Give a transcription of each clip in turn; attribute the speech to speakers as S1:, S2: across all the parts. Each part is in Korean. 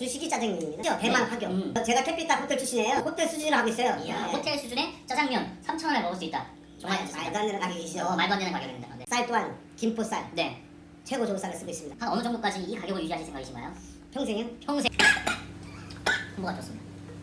S1: 주식이 짜장면입니다. 대만 가격. 제가 캐피탈 호텔 출신이에요. 호텔 수준으로 하고 있어요.
S2: 이야, 호텔 수준의 짜장면 3,000원에 먹을 수 있다. 정말
S1: 말도 안 되는 가격이시죠.
S2: 말도 안 되는 가격입니다. 네.
S1: 쌀 또한 김포쌀
S2: 네.
S1: 최고 좋은 쌀을 쓰고 있습니다.
S2: 한 어느 정도까지 이 가격을 유지하실 생각이신가요?
S1: 평생요?
S2: 평생. 홍보가 좋습니다.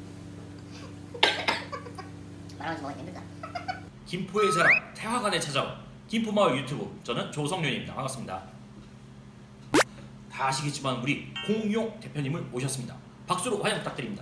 S2: 말하면서 먹으니 힘들다.
S3: 김포의 자랑 태화관에 찾아온 김포마을 유튜브, 저는 조성윤입니다. 반갑습니다. 다 아시겠지만 우리 공용 대표님을 모셨습니다. 박수로 환영 부탁드립니다.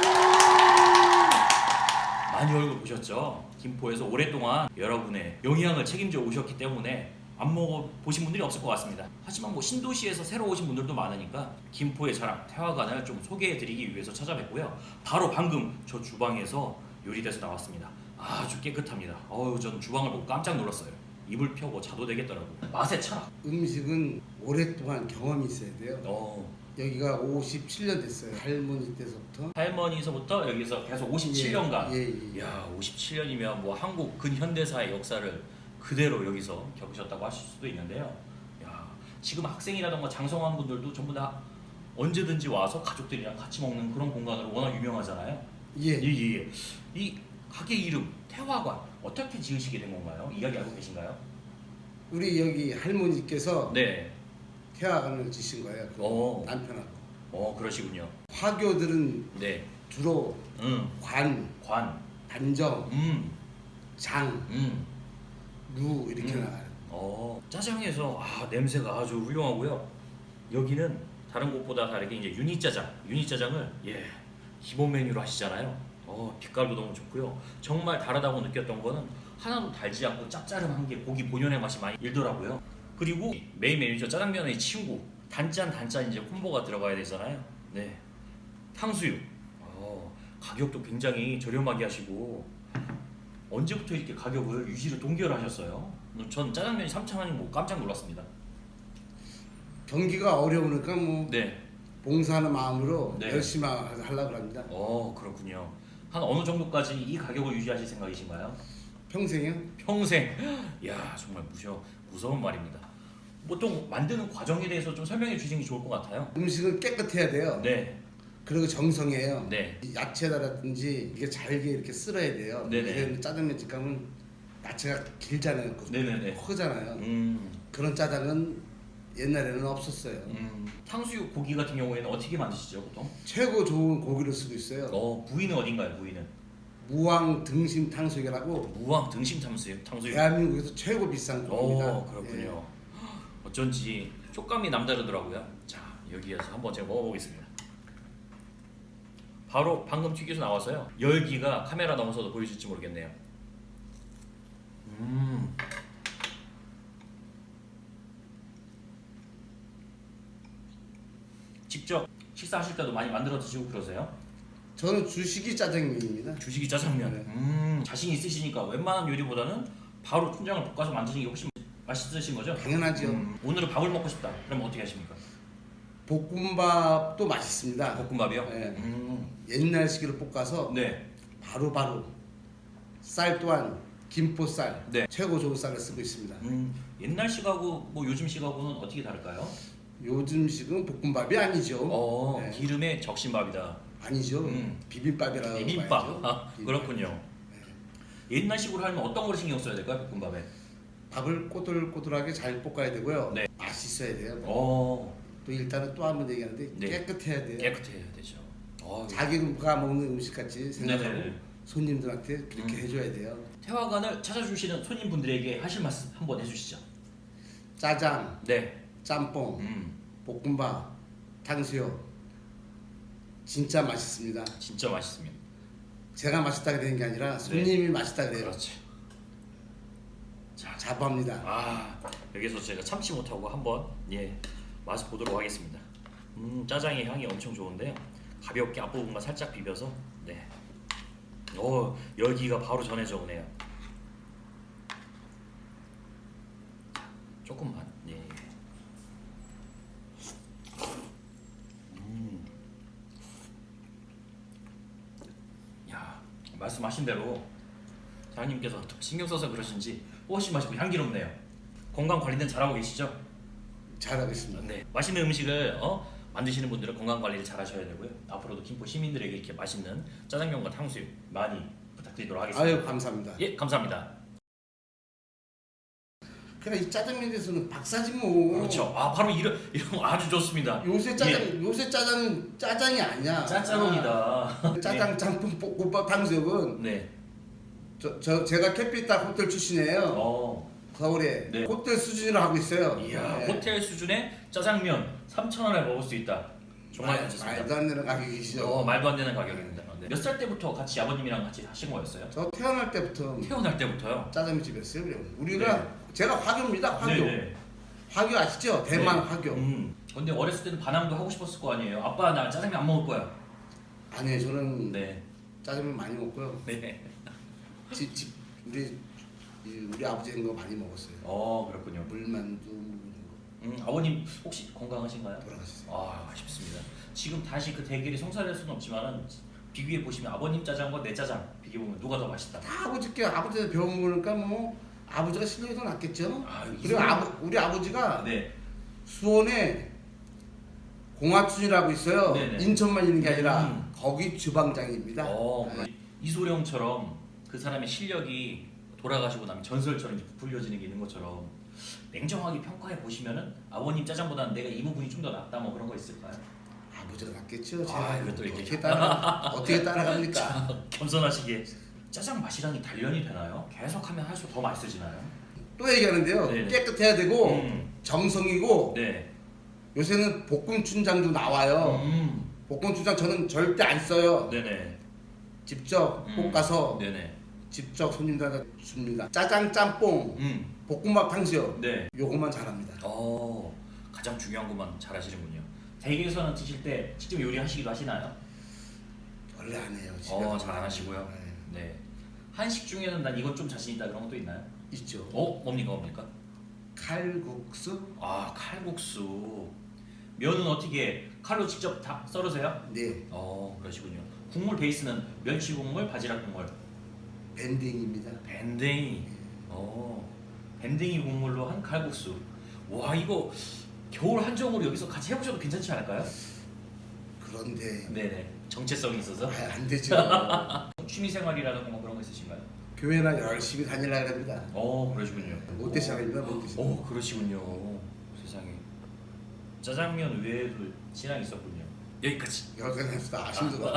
S3: 많이 얼굴 보셨죠? 김포에서 오랫동안 여러분의 영양을 책임져 오셨기 때문에 안 먹어보신 분들이 없을 것 같습니다. 하지만 뭐 신도시에서 새로 오신 분들도 많으니까 김포의 자랑 태화관을 좀 소개해드리기 위해서 찾아뵙고요. 바로 방금 저 주방에서 요리돼서 나왔습니다. 아주 깨끗합니다. 전 주방을 보고 깜짝 놀랐어요. 이불 펴고 자도 되겠더라고요. 맛의 철학.
S4: 음식은 오랫동안 경험이 있어야 돼요. 여기가 57년 됐어요. 할머니 때서부터.
S3: 할머니서부터 여기서 계속 57년간.
S4: 예.
S3: 야, 57년이면 뭐 한국 근현대사의 역사를 그대로 여기서 겪으셨다고 하실 수도 있는데요. 야, 지금 학생이라던가 장성한 분들도 전부 다 언제든지 와서 가족들이랑 같이 먹는 그런 공간으로 워낙 유명하잖아요.
S4: 예.
S3: 이 가게 이름 태화관 어떻게 지으시게 된 건가요? 이야기 알고 계신가요?
S4: 우리 여기 할머니께서
S3: 네.
S4: 태화관을 지신 거예요.
S3: 오.
S4: 남편하고.
S3: 그러시군요.
S4: 화교들은
S3: 네.
S4: 주로 관, 반정, 장, 루 이렇게 나가요.
S3: 짜장에서 냄새가 아주 훌륭하고요. 여기는 다른 곳보다 다르게 이제 유니짜장을 기본 메뉴로 하시잖아요. 빛깔도 너무 좋고요. 정말 다르다고 느꼈던 거는 하나도 달지 않고 짭짤한 게 고기 본연의 맛이 많이 일더라고요. 그리고 메인 메뉴죠. 짜장면의 친구 단짠 이제 콤보가 들어가야 되잖아요. 네. 탕수육. 가격도 굉장히 저렴하게 하시고 언제부터 이렇게 가격을 유지를 동결을 하셨어요? 전 짜장면이 3,000원이 뭐 깜짝 놀랐습니다.
S4: 경기가 어려우니까 뭐
S3: 네.
S4: 봉사하는 마음으로
S3: 네.
S4: 열심히 하려고 합니다.
S3: 그렇군요. 한 어느 정도까지 이 가격을 유지하실 생각이신가요?
S4: 평생이요?
S3: 평생. 야, 정말 무서운 말입니다. 보통 만드는 과정에 대해서 좀 설명해 주시는 게 좋을 것 같아요.
S4: 음식은 깨끗해야 돼요.
S3: 네.
S4: 그리고 정성이에요.
S3: 네.
S4: 야채다라든지 이게 잘게 이렇게 썰어야 돼요.
S3: 네네.
S4: 짜장면 집 가면 야채가 길잖아요.
S3: 네네네.
S4: 크잖아요.
S3: 음.
S4: 그런 짜장은 옛날에는 없었어요.
S3: 탕수육 고기 같은 경우에는 어떻게 만드시죠, 보통?
S4: 최고 좋은 고기를 쓰고 있어요.
S3: 부위는 어딘가요, 부위는?
S4: 무왕 등심 탕수육이라고
S3: 무왕 등심 탕수육.
S4: 대한민국에서 최고 비싼 고기입니다.
S3: 그렇군요. 어쩐지 촉감이 남다르더라고요. 자, 여기에서 한번 제가 먹어보겠습니다. 바로 방금 튀겨서 나와서요. 열기가 카메라 넘어서도 보이실지 모르겠네요. 직접 식사하실 때도 많이 만들어 드시고 그러세요?
S4: 저는 주식이 짜장면입니다.
S3: 주식이 짜장면. 자신 있으시니까 웬만한 요리보다는 바로 춘장을 볶아서 만드시는 게 훨씬 맛있으신 거죠?
S4: 당연하죠.
S3: 오늘은 밥을 먹고 싶다. 그럼 어떻게 하십니까?
S4: 볶음밥도 맛있습니다.
S3: 볶음밥이요?
S4: 네. 옛날식으로 볶아서
S3: 네.
S4: 바로 쌀 또한 김포쌀
S3: 네.
S4: 최고 좋은 쌀을 쓰고 있습니다.
S3: 옛날 식하고 뭐 요즘 식하고는 어떻게 다를까요?
S4: 요즘식은 볶음밥이 아니죠. 네.
S3: 기름에 적신밥이다.
S4: 아니죠. 비빔밥이라고
S3: 비빔밥.
S4: 봐야죠.
S3: 그렇군요. 옛날 식으로 하면 어떤 걸 신경 써야 될까요, 볶음밥에?
S4: 밥을 꼬들꼬들하게 잘 볶아야 되고요.
S3: 네.
S4: 맛있어야 돼요.
S3: 어,
S4: 또 일단은 또 한 번 얘기하는데
S3: 네.
S4: 깨끗해야 돼요.
S3: 깨끗해야 되죠.
S4: 자기가 먹는 음식같이 생각하고
S3: 네네네.
S4: 손님들한테 그렇게 해줘야 돼요.
S3: 태화관을 찾아주시는 손님분들에게 하실 말씀 한번 해주시죠.
S4: 짜장,
S3: 네.
S4: 짬뽕, 볶음밥, 탕수육 진짜 맛있습니다.
S3: 진짜 맛있습니다.
S4: 제가 맛있다고 되는 게 아니라 손님이 맛있다 그래요.
S3: 그렇지. 자,
S4: 자부합니다.
S3: 여기서 제가 참지 못하고 한번 맛을 보도록 하겠습니다. 짜장의 향이 엄청 좋은데요. 가볍게 앞부분만 살짝 비벼서 열기가 바로 전해져 오네요. 조금만. 야, 말씀하신 대로 사장님께서 신경 써서 그러신지 훨씬 맛있고 향기롭네요. 건강 관리는 잘하고 계시죠?
S4: 잘하고 있습니다.
S3: 네. 맛있는 음식을 만드시는 분들은 건강 관리를 잘 하셔야 되고요. 앞으로도 김포 시민들에게 이렇게 맛있는 짜장면과 탕수육 많이 부탁드리도록 하겠습니다.
S4: 아유 감사합니다.
S3: 예, 감사합니다.
S4: 그냥 이 짜장면에 대해서는 박사지 뭐.
S3: 그렇죠. 아, 바로 이런 거 아주 좋습니다.
S4: 요새 짜장은 짜장이 아니야.
S3: 짜짜론이다.
S4: 짜장, 짬뽕, 볶음밥, 탕수육은
S3: 네.
S4: 제가 캐피탈 호텔 출신이에요. 서울에
S3: 네.
S4: 호텔 수준으로 하고 있어요.
S3: 이야,
S4: 네.
S3: 호텔 수준의 짜장면 3,000원에 먹을 수 있다. 정말 괜찮습니다.
S4: 말도 안 되는 가격이시죠.
S3: 말도 안 되는 가격입니다. 네. 몇 살 때부터 같이 아버님이랑 같이 하신 거였어요?
S4: 저 태어날 때부터
S3: 태어날 때부터요?
S4: 짜장면집이었어요. 우리가
S3: 네.
S4: 제가 화교입니다. 화교.
S3: 네네.
S4: 화교 아시죠? 대만
S3: 네.
S4: 화교.
S3: 근데 어렸을 때는 반항도 하고 싶었을 거 아니에요? 아빠 나 짜장면 안 먹을 거야.
S4: 아니에요. 저는
S3: 네.
S4: 짜장면 많이 먹고요.
S3: 네.
S4: 우리 아버지 한거 많이 먹었어요.
S3: 그렇군요.
S4: 물만두 이런 거.
S3: 아버님 혹시 건강하신가요?
S4: 돌아가셨어요.
S3: 아, 아쉽습니다. 지금 다시 그 대결이 성사될 수는 없지만은 비교해 보시면 아버님 짜장과 내 짜장 비교 보면 누가 더 맛있다.
S4: 다 아버지한테 배운 거니까 뭐 아버지가 실력이 더 낫겠죠.
S3: 아,
S4: 그리고 우리 아버지가
S3: 네.
S4: 수원에 공화춘이라고 있어요.
S3: 네네.
S4: 인천만 있는 게 아니라 거기 주방장입니다. 네.
S3: 이소룡처럼 그 사람의 실력이 돌아가시고 나면 전설처럼 이제 부풀려지는 게 있는 것처럼 냉정하게 평가해 보시면은 아버님 짜장보다는 내가 이 부분이 좀 더 낫다 뭐 그런 거 있을까요?
S4: 아버지가 낫겠죠.
S3: 아, 이것도 이렇게
S4: 어떻게 따라갑니까?
S3: 겸손하시게 짜장 맛이랑이 단련이 되나요? 계속하면 할수록 더 맛있어지나요?
S4: 또 얘기하는데요.
S3: 네네.
S4: 깨끗해야 되고
S3: 음.
S4: 정성이고
S3: 네.
S4: 요새는 볶음춘장도 나와요. 볶음춘장 저는 절대 안 써요.
S3: 네네.
S4: 직접 볶아서
S3: 네네.
S4: 직접 손님들한테 줍니다. 짜장, 짬뽕, 볶음밥, 탕수육
S3: 네.
S4: 요것만 잘합니다.
S3: 가장 중요한 것만 잘하시는군요. 댁에서는 드실 때 직접 요리하시기도 하시나요?
S4: 원래 안 해요. 집에 가서.
S3: 잘 안 하시고요.
S4: 네.
S3: 네. 한식 중에는 난 이건 좀 자신 있다 그런 것도 있나요?
S4: 있죠.
S3: 뭡니까?
S4: 칼국수?
S3: 칼국수. 면은 어떻게 칼로 직접 다 썰으세요?
S4: 네.
S3: 그러시군요. 국물 베이스는 멸치 국물, 바지락 국물.
S4: 밴딩입니다.
S3: 밴댕이. 밴댕이 국물로 한 칼국수. 와, 이거 겨울 한정으로 여기서 같이 해보셔도 괜찮지 않을까요?
S4: 그런데
S3: 네네. 정체성이 있어서.
S4: 안 되죠.
S3: 취미생활이라든가 뭐 그런 거 있으신가요?
S4: 교회나 열심히 다니려고 합니다.
S3: 그러시군요.
S4: 롯데 시장입니다. 롯데 시장.
S3: 그러시군요. 세상에. 짜장면 외에도 신앙이 있었군요. 여기까지.
S4: 여기까지 했어.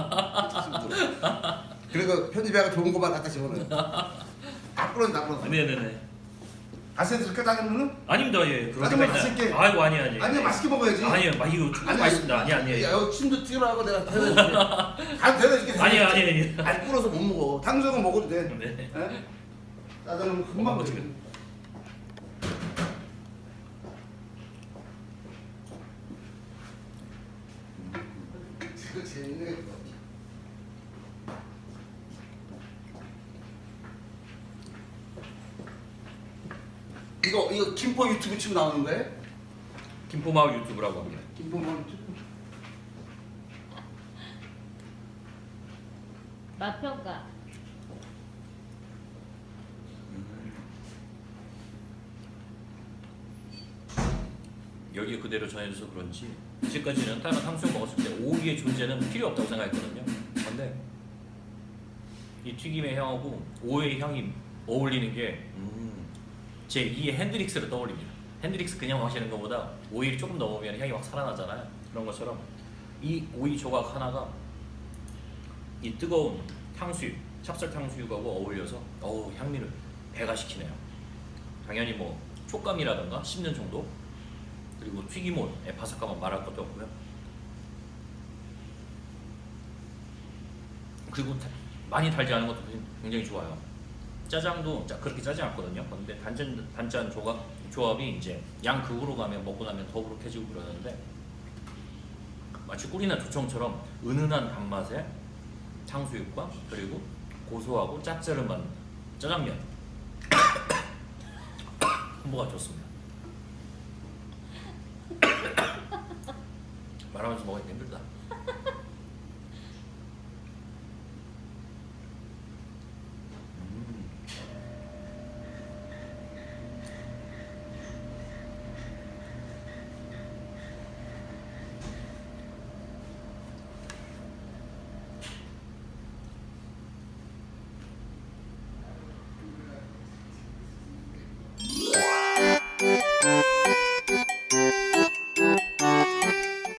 S4: 힘들어. 그리고 편집해가 좋은 거만 갖다 집어넣어요. 다 부러져.
S3: 네네네.
S4: 가세 드릴까 짜장면은?
S3: 아닙니다. 예.
S4: 짜장면 맛있게.
S3: 아이고 아니.
S4: 아니 맛있게 먹어야지.
S3: 아니요. 이거 충분히 맛있습니다. 아니.
S4: 야, 여기 침도 튀어나가고 내가 대단해줄게. 다 대단해줄게.
S3: 아니.
S4: 안 불어서 못 먹어. 탕수육은 먹어도 돼.
S3: 네.
S4: 에? 짜장면 금방 먹어. 이거 재밌네. 이거 김포 유튜브 치고 나오는 거예요?
S3: 김포마을 유튜브라고 합니다.
S4: 김포 유튜브.
S5: 맛평가.
S3: 여기 그대로 전해줘서 그런지 이제까지는 다른 탕수육 먹었을 때 오이의 존재는 필요 없다고 생각했거든요. 근데 이 튀김의 향하고 오이의 향이 어울리는 게 제 2의 핸드릭스를 떠올립니다. 핸드릭스 그냥 마시는 것보다 오이를 조금 넣으면 향이 확 살아나잖아요. 그런 것처럼 이 오이 조각 하나가 이 뜨거운 탕수육, 찹쌀 탕수육하고 어울려서 향미를 배가시키네요. 당연히 뭐 촉감이라든가 씹는 정도, 그리고 튀김옷의 바삭함은 말할 것도 없고요. 그리고 많이 달지 않은 것도 굉장히 좋아요. 짜장도 그렇게 짜지 않거든요. 근데 단짠 조합이 이제 양극으로 가면 먹고 나면 더부룩해지고 그러는데 마치 꿀이나 조청처럼 은은한 단맛의 탕수육과 그리고 고소하고 짭짤한 짜장면 콤보가 좋습니다. 말하면서 먹으니까 힘들다.